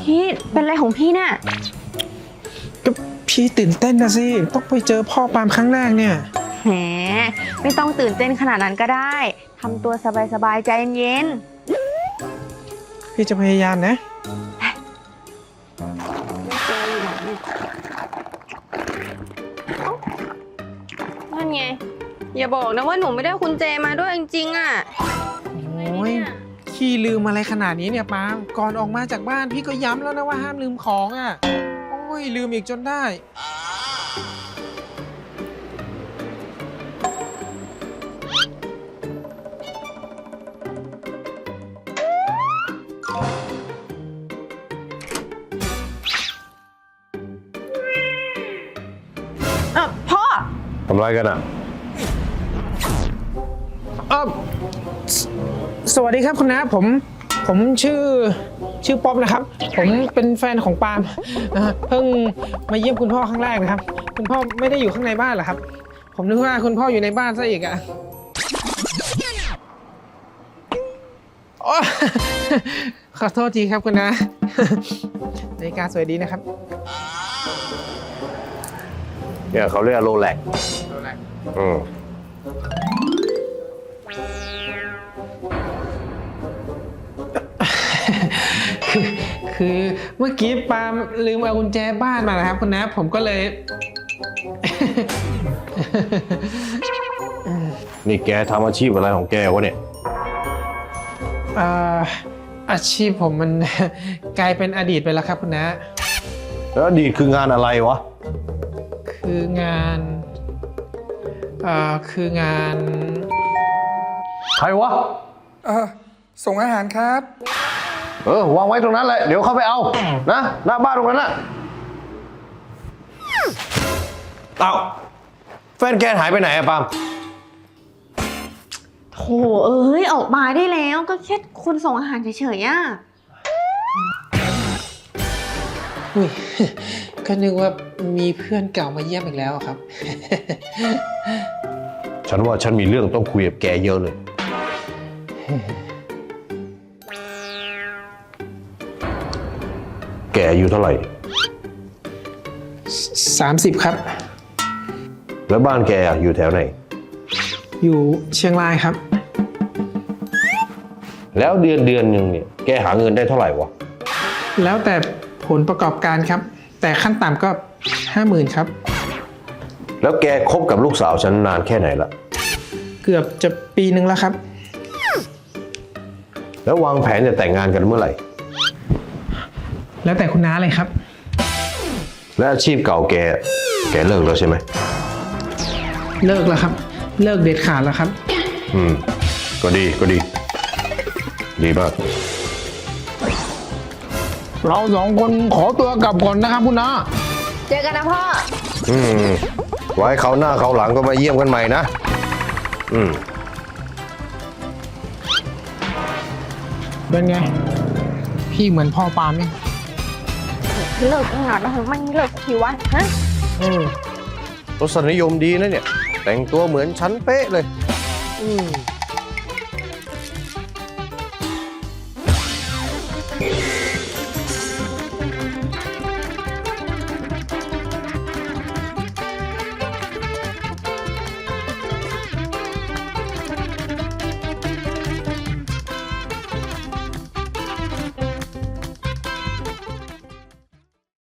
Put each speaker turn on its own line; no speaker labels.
พี่เป็นอะไรของพี่เนี่ย
ก็พี่ตื่นเต้นนะสิต้องไปเจอพ่อปามครั้งแรกเนี่ย
แหมไม่ต้องตื่นเต้นขนาดนั้นก็ได้ทำตัวสบายๆใจเย็น
พี่จะพยายามนะ
นั่นไงอย่าบอกนะว่าหนูไม่ได้คุณเจมาด้วยจริงๆอ่ะ
โอ้ยขี้ลืมอะไรขนาดนี้เนี่ยปามก่อนออกมาจากบ้านพี่ก็ย้ำแล้วนะว่าห้ามลืมของอ่ะโอ้ยลืมอีกจนได้
พ่อ
ทำไรกันอ่ะ
สวัสดีครับคุณน้าผมชื่อป๊อปนะครับผมเป็นแฟนของปาล์มเพิ่งมาเยี่ยมคุณพ่อครั้งแรกนะครับคุณพ่อไม่ได้อยู่ข้างในบ้านเหรอครับผมนึกว่าคุณพ่ออยู่ในบ้านซะอีกอ่ะขอโทษทีครับคุณน้านาฬิกาสวยดีนะครับ
เนี่ยเขาเรียกโรแล็ก
คือเมื่อกี้ปาล์มลืมเอากุญแจบ้านมานะครับคุณน้าผมก็เลย
นี่แกทำอาชีพอะไรของแกวะเนี่ย
อาชีพผมมัน กลายเป็นอดีตไปแล้วครับคุณน้า
แล้วอดีตคืองานอะไรวะ
คืองาน
ใครวะ
ส่งอาหารครับ
วางไว้ตรงนั้นเลยเดี๋ยวเข้าไปเอานะหน้าบ้านตรงนั้นน่ะเอ้าแฟนแกหายไปไหนอะปาล์ม
โถเอ้ยออกมาได้แล้วก็แค่คุณส่งอาหารเฉยๆอ่ะ
อุ้ยก็นึกว่ามีเพื่อนเก่ามาเยี่ยมอีกแล้วครับ
ฉันว่าฉันมีเรื่องต้องคุยกับแกเยอะเลยแกอายุเท่าไหร่
30ครับ
แล้วบ้านแกอยู่แถวไหน
อยู่เชียงรายครับ
แล้วเดือนหนึ่งเนี่ยแกหาเงินได้เท่าไหร่วะ
แล้วแต่ผลประกอบการครับแต่ขั้นต่ำก็ 50,000 ครับ
แล้วแกคบกับลูกสาวฉันนานแค่ไหนละ
เกือบจะปีนึงแล้วครับ
แล้ววางแผนจะแต่งงานกันเมื่อไหร่
แล้วแต่คุณน้าเลยครับ
และอาชีพเก่าแกเลิกแล้วใช่ไหม
เลิกแล้วครับเลิกเด็ดขาดแล้วครับ
ก็ดีมาก
เราสองคนขอตัวกลับก่อนนะครับคุณน้า
เจอกันนะพ่อ
ไว้เขาหน้าเขาหลังก็มาเยี่ยมกันใหม่นะ
เป็นไงพี่เหมือนพ่อปาล์มไหม
เลิกงานแล้วมันเลิกทีวะฮะ
รสนิยมดีนะเนี่ยแต่งตัวเหมือนฉันเป๊ะเลย